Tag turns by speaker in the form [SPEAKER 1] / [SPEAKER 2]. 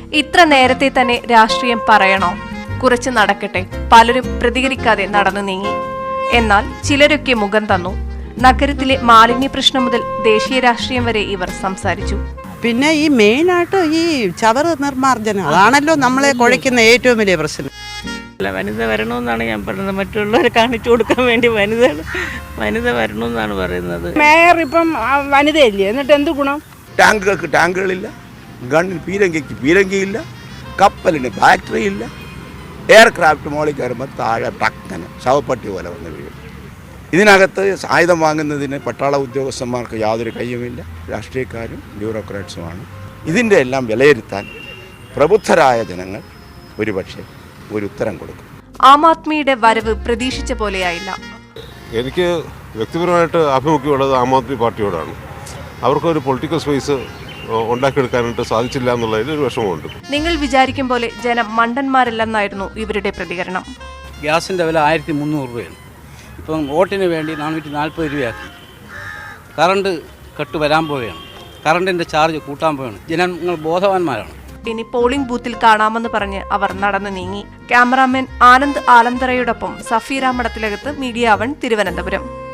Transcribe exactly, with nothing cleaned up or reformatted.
[SPEAKER 1] ഇത്ര നേരത്തെ തന്നെ രാഷ്ട്രീയം പറയണോ? കുറച്ച് നടക്കട്ടെ. പലരും പ്രതികരിക്കാതെ നടന്നു നീങ്ങി. എന്നാൽ ചിലരൊക്കെ മുഖം തന്നു. നഗരത്തിലെ മാലിന്യ പ്രശ്നം മുതൽ ദേശീയ രാഷ്ട്രീയം വരെ ഇവർ സംസാരിച്ചു.
[SPEAKER 2] പിന്നെ ഈ മെയിനായിട്ട് ഈ ചവറ് നിർമ്മാർജ്ജനം അതാണല്ലോ നമ്മളെ കുഴയ്ക്കുന്ന ഏറ്റവും വലിയ പ്രശ്നം.
[SPEAKER 3] അല്ല, വനിത വരണമെന്നാണ് ഞാൻ പറയുന്നത്. മറ്റുള്ളവരെ കാണിച്ചു കൊടുക്കാൻ വേണ്ടി വനിത വനിത വരണമെന്നാണ് പറയുന്നത്.
[SPEAKER 4] മേയർ ഇപ്പം വനിതയല്ലേ, എന്നിട്ട് എന്ത് ഗുണം?
[SPEAKER 5] ടാങ്കുകൾക്ക് ടാങ്കുകളില്ല, ഗണ്ണിന് പീരങ്കിക്ക് പീരങ്കിയില്ല, കപ്പലിന് ബാറ്ററി ഇല്ല, എയർക്രാഫ്റ്റ് മോളിൽ കയറുമ്പോൾ താഴെ ടക്കന് ശവപ്പട്ടി പോലെ വന്ന് വീഴും. ഇതിനകത്ത് ആയുധം വാങ്ങുന്നതിന് പട്ടാള ഉദ്യോഗസ്ഥന്മാർക്ക് യാതൊരു കയ്യുമില്ല, രാഷ്ട്രീയക്കാരും ബ്യൂറോക്രാറ്റ്സുമാണ്. ഇതിൻ്റെ എല്ലാം വിലയിരുത്താൻ പ്രബുദ്ധരായ ജനങ്ങൾ ഒരുപക്ഷെ ഒരു ഉത്തരം കൊടുക്കും.
[SPEAKER 1] ആം ആദ്മിയുടെ വരവ് പ്രതീക്ഷിച്ച പോലെയായില്ല.
[SPEAKER 6] എനിക്ക് വ്യക്തിപരമായിട്ട് ആഭിമുഖ്യമുള്ളത് ആം ആദ്മി പാർട്ടിയോടാണ്. അവർക്കൊരു പൊളിറ്റിക്കൽ സ്പേസ് ഉണ്ടാക്കിയെടുക്കാനായിട്ട് സാധിച്ചില്ല എന്നുള്ളതിൽ ഒരു വിഷമമുണ്ട്.
[SPEAKER 1] നിങ്ങൾ വിചാരിക്കും പോലെ ജനം മണ്ടന്മാരല്ലെന്നായിരുന്നു ഇവരുടെ പ്രതികരണം.
[SPEAKER 7] ഗ്യാസിൻ്റെ വില ആയിരത്തി മുന്നൂറ് രൂപയാണ്. ഇപ്പം വോട്ടിന് വേണ്ടി നാനൂറ്റി നാൽപ്പത് രൂപയാക്കി. കറണ്ട് കട്ട് വരാൻ പോവുകയാണ്. കറണ്ടിൻ്റെ ചാർജ് കൂട്ടാൻ പോവുകയാണ്. ജനങ്ങൾ ബോധവാന്മാരാണ്.
[SPEAKER 1] ഇനി പോളിംഗ് ബൂത്തിൽ കാണാമെന്ന് പറഞ്ഞ് അവർ നടന്നു നീങ്ങി. ക്യാമറാമാൻ ആനന്ദ് ആലന്തറയോടൊപ്പം സഫീറ മടത്തിലകത്ത്, മീഡിയ വൺ, തിരുവനന്തപുരം.